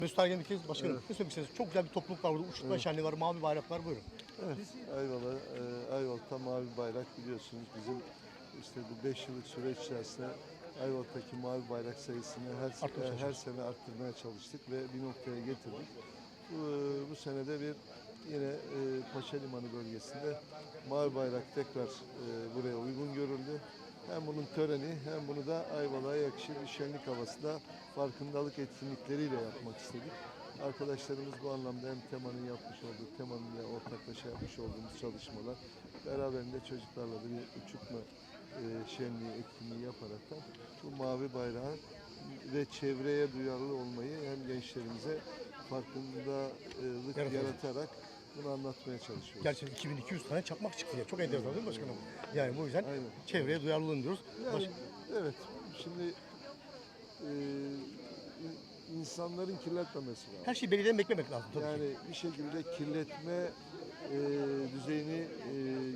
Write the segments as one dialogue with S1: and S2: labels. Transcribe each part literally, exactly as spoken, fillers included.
S1: Mesut Ergen bir kez başkanım.
S2: Evet.
S1: Ne söylemek istersiniz? Çok güzel bir topluluk var burada. Uçurtma
S2: Evet.
S1: şenliği var, mavi bayraklar buyurun.
S2: Evet, Ayvalı, e, Ayvalık'ta mavi bayrak biliyorsunuz bizim işte bu beş yıllık süreç içerisinde Ayvalık'taki mavi bayrak sayısını her,
S1: Arttırmaya
S2: e, her sene arttırmaya çalıştık ve bir noktaya getirdik. Bu, bu senede bir yine e, Paşa Limanı bölgesinde mavi bayrak tekrar e, buraya uygun görüldü. Hem bunun töreni hem bunu da Ayvalık'a yakışır bir şenlik havasında farkındalık etkinlikleriyle yapmak istedik. Arkadaşlarımız bu anlamda hem temanın yapmış olduğu, temanın ile ortaklaşa yapmış olduğumuz çalışmalar, beraberinde çocuklarla da bir uçurtma e, şenliği, etkinliği yaparak da bu mavi bayrağı ve çevreye duyarlı olmayı hem gençlerimize farkındalık
S1: Yaratıyor.
S2: yaratarak bunu anlatmaya çalışıyoruz.
S1: Gerçekten iki bin iki yüz tane çakmak çıktı ya. Çok enteresan değil mi başkanım? Yani bu yüzden
S2: Aynen.
S1: çevreye duyarlı olun diyoruz.
S2: Yani,
S1: Baş...
S2: evet, şimdi e, insanların kirletmemesi lazım.
S1: Her şeyi belediyeden beklemek lazım tabii
S2: Yani
S1: ki.
S2: bir şekilde kirletme e, düzeyini e,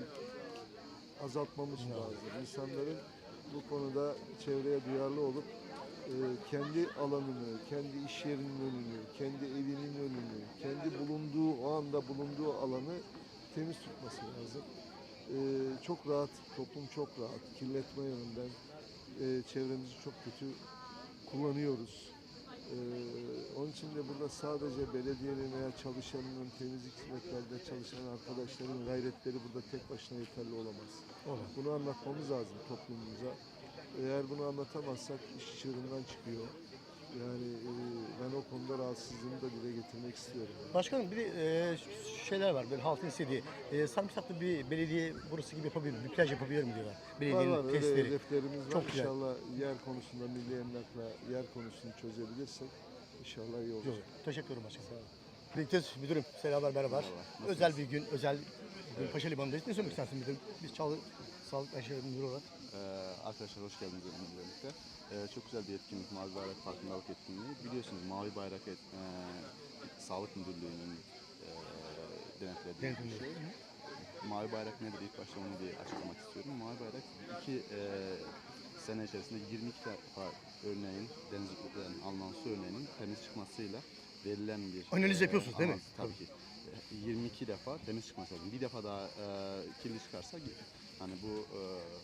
S2: azaltmamız lazım. İnsanların bu konuda çevreye duyarlı olup e, kendi alanını, kendi iş yerinin önünü, kendi evinin önünü, kendi bulunduğu, o anda bulunduğu alanı temiz tutması lazım. E, çok rahat, toplum çok rahat. Kirletme yönünden e, çevremizi çok kötü kullanıyoruz. Ee, onun için de burada sadece belediyenin veya çalışanının, temizlik hizmetlerde çalışan arkadaşların gayretleri burada tek başına yeterli olamaz.
S1: Olur.
S2: Bunu anlatmamız lazım toplumumuza. Eğer bunu anlatamazsak iş çığırından çıkıyor. Yani e, ben o konuda rahatsızlığımı da dile getirmek istiyorum.
S1: Başkanım bir de e, şeyler var böyle halkın istediği. E, Sarımsaklı bir belediye burası gibi yapabilir mi? Bir plaj yapabilir mi diyorlar.
S2: Var
S1: Belediyenin
S2: var, öyle
S1: testleri.
S2: hedeflerimiz var.
S1: Çok güzel.
S2: İnşallah yer konusunda milli emlakla yer konusunu çözebilirsek inşallah iyi olur.
S1: Yok, teşekkür ederim başkanım. Birlikte müdürüm, selamlar, merhabalar. Özel bir gün, özel bir gün Paşa Limanı'ndayız. Ne söylemek istersin müdürüm? Biz Çağlı Sağlık Aşırı Müdürü olarak.
S3: Ee, arkadaşlar hoş geldiniz benimle birlikte. Ee, çok güzel bir etkinlik, Mavi Bayrak Farkındalık Etkinliği. Biliyorsunuz Mavi Bayrak et, e, Sağlık Müdürlüğü'nün e, denetlediği bir şey. Mavi Bayrak nedir? İlk başta onu bir açıklamak istiyorum. Mavi Bayrak iki e, sene içerisinde yirmi iki defa örneğin denizlikten alınan su örneğinin temiz çıkmasıyla verilen bir...
S1: Analiz yapıyorsunuz değil mi?
S3: Analiz, tabii ki. yirmi iki defa temiz çıkması lazım. Bir defa daha e, kirli çıkarsa hani bu e,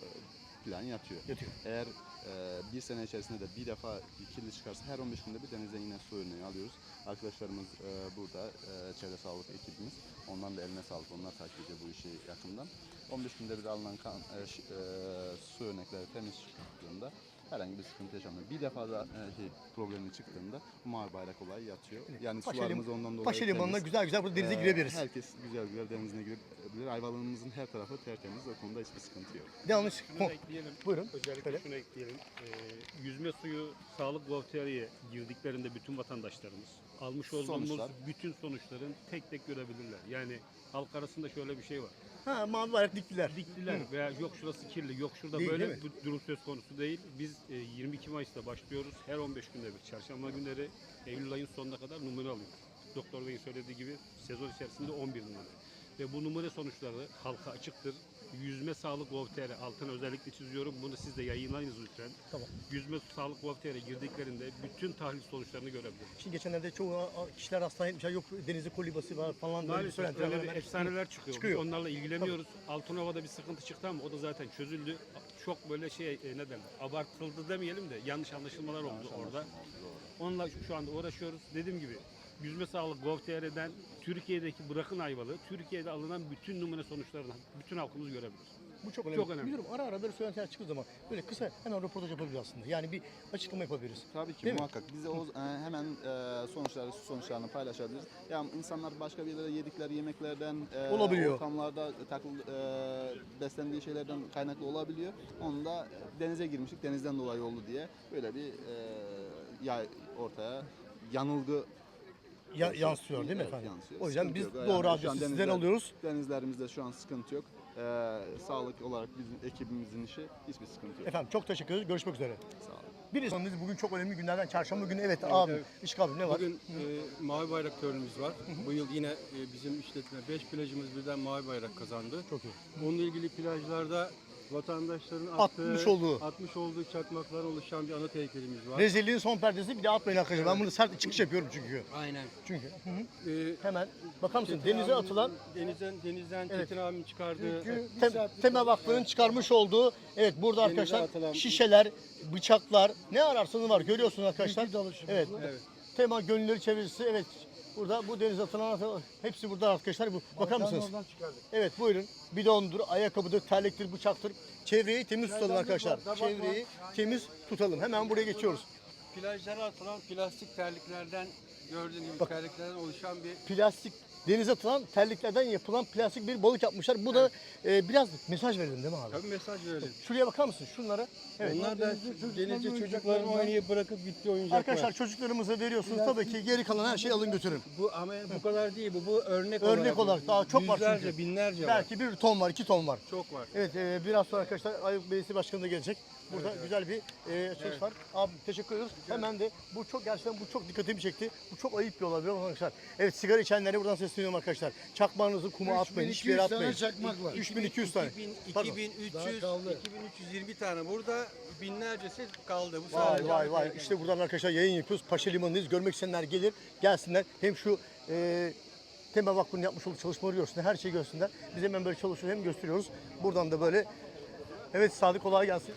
S3: plan yatıyor.
S1: Yatıyor.
S3: Eğer e, bir sene içerisinde de bir defa kirli çıkarsa her on beş günde bir denizden yine su örneği alıyoruz. Arkadaşlarımız e, burada, e, çevre sağlık ekibimiz. Ondan da eline sağlık. Onlar takip ediyor bu işi yakından. on beş günde bir alınan kan, e, ş, e, su örnekleri temiz çıktığında herhangi bir sıkıntı yaşanmıyor. Bir defa da e, şey, problemi çıktığında mavi bayrak olayı yatıyor. Yani
S1: Paşa
S3: sularımız
S1: Lim-
S3: ondan dolayı
S1: Paşa Limanı'na
S3: temiz.
S1: güzel güzel burada denize
S3: Ee,
S1: girebiliriz.
S3: Herkes güzel güzel denizine girebilir. Ayvalık'ımızın her tarafı tertemiz. O konuda hiçbir sıkıntı yok.
S1: Yanlış.
S4: Şunu da ekleyelim.
S1: Buyurun.
S4: Özellikle
S1: Söyle.
S4: şunu ekleyelim. Ee, yüzme suyu sağlık volteriye girdiklerinde bütün vatandaşlarımız almış olduğumuz
S3: Sonuçlar.
S4: bütün sonuçların tek tek görebilirler. Yani halk arasında şöyle bir şey var.
S1: Ha, mavi bayrak diktiler.
S4: Diktiler veya yok şurası kirli, yok şurada
S1: Değil,
S4: böyle
S1: değil mi?
S4: bir durum söz konusu değil. Biz e, yirmi iki Mayıs'ta başlıyoruz. Her on beş günde bir çarşamba günleri Eylül ayın sonuna kadar numune alıyoruz. Doktor Bey'in söylediği gibi sezon içerisinde on bir numune. Ve bu numune sonuçları halka açıktır. Yüzme Sağlık Gov.tr altını özellikle çiziyorum. Bunu siz de yayınlayınız lütfen.
S1: Tamam.
S4: Yüzme Sağlık Gov.tr'e girdiklerinde bütün tahlil sonuçlarını görebilir.
S1: Şimdi geçenlerde çoğu a- kişiler hastane etmişler. Yok denizde kolibası var falan. böyle bir
S4: Maalesef
S1: söylentiler
S4: öyle
S1: var.
S4: bir
S1: Ben-
S4: efsaneler çıkıyor.
S1: Çıkıyor.
S4: Biz onlarla ilgileniyoruz. Altınova'da bir sıkıntı çıktı ama o da zaten çözüldü. Çok böyle şey e, ne derler, abartıldı demeyelim de yanlış anlaşılmalar oldu orada. Onunla şu- şu anda uğraşıyoruz. Dediğim gibi Yüzme Sağlık Gov.tr'den Türkiye'deki bırakın Ayvalık'ı, Türkiye'de alınan bütün numune sonuçlarını bütün halkımız görebilir.
S1: Bu çok önemli.
S4: Çok önemli.
S1: Biliyorum ara ara böyle söylentiler çıktığı zaman böyle kısa hemen röportaj yapabiliriz aslında. Yani bir açıklama yapabiliriz.
S3: Tabii ki
S1: Değil mi?
S3: muhakkak. Biz de o, e, hemen e, sonuçları, su sonuçlarını paylaşabiliriz. Yani insanlar başka bir yere yedikleri yemeklerden, e,
S1: Olabiliyor.
S3: ortamlarda takıl, e, beslendiği şeylerden kaynaklı olabiliyor. Onu da denize girmiştik, denizden dolayı oldu diye böyle bir e, yay ortaya yanılgı
S1: Ya, yansıyor değil mi
S3: Evet,
S1: efendim?
S3: yansıyor.
S1: O yüzden
S3: Sıkıntı
S1: biz
S3: yok.
S1: doğru
S3: Yani şu an
S1: adresi sizden
S3: denizler-
S1: alıyoruz.
S3: Denizlerimizde şu an sıkıntı yok. E, sağlık olarak bizim ekibimizin işi hiçbir sıkıntı yok.
S1: Efendim çok teşekkür ederiz. Görüşmek üzere.
S3: Sağ olun.
S1: Bir insanımız bugün çok önemli günlerden çarşamba günü. Evet, abi.
S5: evet.
S1: İşgal abi ne var?
S5: Bugün e, mavi bayrak törenimiz var. Bu yıl yine e, bizim işletme beş plajımız birden mavi bayrak kazandı.
S1: Çok iyi.
S5: Onunla ilgili plajlarda vatandaşların
S1: Atmış
S5: attığı,
S1: olduğu.
S5: atmış olduğu çakmaklar oluşan bir anıt heykelimiz var.
S1: Rezilliğin son perdesi bir de atmayın arkadaşlar. Ben bunu sert çıkış yapıyorum çünkü.
S5: Aynen.
S1: Çünkü. Hı hı.
S5: Ee,
S1: Hemen bakar mısın
S5: Çetin
S1: denize
S5: abinin-
S1: atılan
S5: denizden denizden
S1: Evet.
S5: Çetin abimin çıkardığı
S1: Tem, Tema Vakfı'nın çıkarmış olduğu, evet burada
S5: Denize
S1: arkadaşlar
S5: atılan-
S1: şişeler, bıçaklar, ne ararsanız var görüyorsunuz arkadaşlar. Evet.
S5: Evet.
S1: Tema Gönülleri Çevirisi, evet. Burada bu denize atılan hepsi burada arkadaşlar. Bu, bakar mısınız? Evet buyurun. Bidondur, ayakkabıdır, terliktir, bıçaktır. Çevreyi temiz tutalım arkadaşlar. Çevreyi temiz tutalım. Hemen buraya geçiyoruz.
S5: plajlara atılan plastik terliklerden gördüğün gibi
S1: Bak.
S5: terliklerden oluşan bir
S1: Plastik denize atılan terliklerden yapılan plastik bir balık yapmışlar. Bu da e, biraz mesaj verelim değil mi abi?
S5: tabii mesaj verelim.
S1: Şuraya bakar mısın? Şunlara. Evet.
S5: Onlar da denizde çocukların oynayıp bırakıp gittiği oyuncaklar.
S1: Arkadaşlar çocuklarımıza veriyorsunuz. Tabii ki geri kalan her şeyi alın götürün.
S5: Bu ama bu kadar değil, bu bu örnek,
S1: Örnek olarak daha çok var
S5: yüzlerce,
S1: çünkü.
S5: binlerce var.
S1: Belki bir ton var, iki ton var.
S5: Çok var.
S1: Evet, e, biraz sonra arkadaşlar Ayıp Belediyesi Başkanı da gelecek. Burada güzel bir e, söz
S5: Evet.
S1: var. Abi teşekkür ediyoruz. Hemen de bu çok gerçekten bu çok dikkatimi çekti. Bu çok ayıp bir olay arkadaşlar. Evet sigara içenlere buradan sesleniyorum arkadaşlar. Çakmağınızı kuma atmayın, hiçbir yere atmayın.
S6: çakmak var.
S1: üç bin iki yüz tane. Pardon.
S5: iki bin üç
S6: Daha
S5: yüz,
S6: kaldı.
S5: iki bin üç yüz yirmi tane burada, binlercesi kaldı. Bu
S1: Vay
S5: sadece
S1: vay vay.
S5: Ankara'da.
S1: İşte buradan arkadaşlar yayın yapıyoruz. Paşa Limanı'ndayız. Görmek isteyenler gelir, gelsinler. Hem şu e, Tema Vakfı'nın yapmış olduğu çalışmaları görsünler. Her şeyi görsünler. Biz hemen böyle çalışıyoruz hem gösteriyoruz. Buradan da böyle. Evet Sadık kolay gelsin.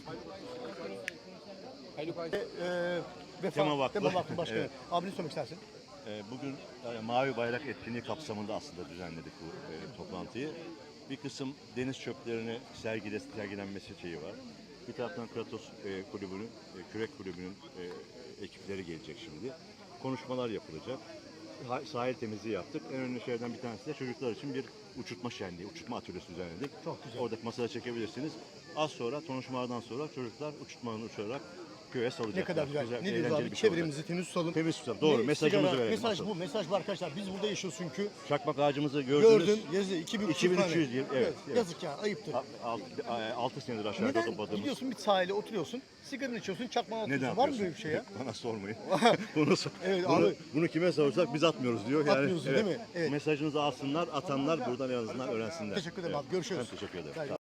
S5: Haluk Ay-
S1: Ee, Vefa,
S7: Tema Vakfı.
S1: Tema Vakfı Başkanı.
S7: Evet.
S1: Abi ne söylemek istersin?
S7: Ee, Bugün e, Mavi Bayrak etkinliği kapsamında aslında düzenledik bu e, toplantıyı. Bir kısım deniz çöplerini sergile, sergilenmesi şeyi var. Bir taraftan Kratos e, kulübünün, e, kürek kulübünün e, ekipleri gelecek şimdi. Konuşmalar yapılacak. Ha- Sahil temizliği yaptık. En önemli şeylerden bir tanesi de çocuklar için bir uçurtma şenliği, uçurtma atölyesi düzenledik.
S1: Çok güzel.
S7: Oradaki masada çekebilirsiniz. Az sonra konuşmalardan sonra çocuklar uçurtmanın uçarak köye salacaklar.
S1: Ne kadar güzel. ne diyoruz
S7: eğlenceli
S1: abi?
S7: bir şey olacak.
S1: Çevremizi temiz tutalım.
S7: Temiz tutalım. Doğru.
S1: Ne?
S7: Mesajımızı
S1: Sigara,
S7: verelim.
S1: Mesaj
S7: asıl.
S1: bu. Mesaj bu arkadaşlar. Biz burada yaşıyoruz çünkü.
S7: Çakmak ağacımızı gördünüz.
S1: Gördüm. Yazı iki bin
S7: iki bin üç yüz yıl, evet, evet.
S1: Yazık ya. Ayıptır.
S7: altı senedir aşağıda
S1: Neden?
S7: topladığımız.
S1: Gidiyorsun bir sahile oturuyorsun. Sigaranı içiyorsun. Çakmağı atıyorsun.
S7: Neden
S1: Var mı
S7: yapıyorsun?
S1: böyle bir şey ya?
S7: Bana sormayın. bunu, sor-
S1: Evet,
S7: bunu,
S1: abi.
S7: bunu kime sorsak biz atmıyoruz diyor. Yani,
S1: Atmıyorsun, değil mi? Evet.
S7: Mesajınızı alsınlar, atanlar buradan en azından öğrensinler.
S1: Teşekkür ederim abi. Görüşürüz.
S7: Ben teşekkür ederim.
S1: Gel.